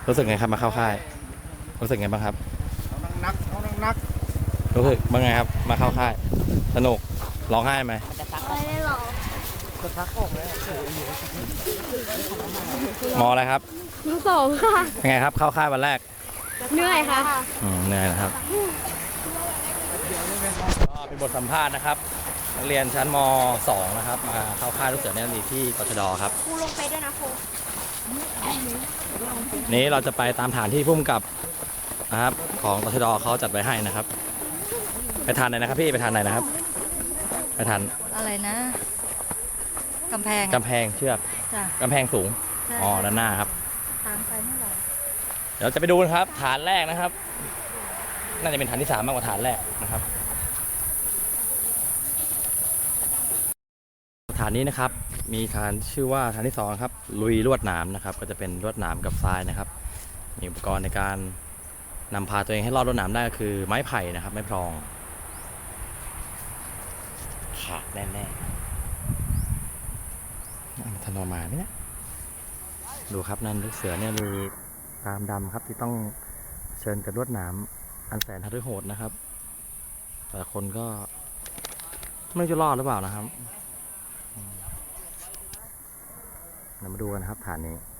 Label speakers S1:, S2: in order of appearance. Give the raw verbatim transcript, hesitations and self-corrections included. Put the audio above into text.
S1: รู้สึกไงครับมาเข้าค่ายรู้สึกไงบ้างครับ
S2: เอานักนักเอานักนัก
S1: รู้สึกบ้างไงครับมาเข้าค่ายสนุกร้องไห้ไหม
S3: ไม่ได้หรอก
S2: จะทักออกเลย
S1: มออะไรครับ
S3: มสองค่ะ
S1: ยังไงครับเข้าค่ายวันแรก
S3: เหนื่อยค่ะ
S1: อืมเหนื่อยนะครับก็เป็นบทสัมภาษณ์นะครับนักเรียนชั้นม สอง นะครับมาเข้าค่ายลูกเสือเนตรนารีที่กชดครับ
S3: ครูลงไปด้วยนะครู
S1: นี้เราจะไปตามฐานที่พุ่มกับนะครับของกชดเขาจัดไว้ให้นะครับไปทานไหนนะครับพี่ไปทานไหนนะครับไปทาน
S4: อะไรนะกำแพง
S1: กำแพงเชือกกำแพงสูงอ๋อด้านหน้าครับ
S4: ตามไปเมื่อไหร่
S1: เดี๋ยวจะไปดูนะครับฐานแรกนะครับน่าจะเป็นฐานที่สามมากกว่าฐานแรกนะครับฐานนี้นะครับมีฐานชื่อว่าฐานที่สองครับลุยลวดหนามนะครับก็จะเป็นลวดหนามกับทรายนะครับมีอุปกรณ์ในการนำพาตัวเองให้รอดลวดหนามได้ก็คือไม้ไผ่นะครับไม้พรองขาดแน่ๆทันออกมาไหมเนี่ยดูครับนั่นลูกเสือเนี่ยดูตามดำครับที่ต้องเชิญกับลวดหนามอันแสนหฤโหดนะครับแต่คนก็ไม่จะรอดหรือเปล่านะครับเรามาดูกันครับฐานนี้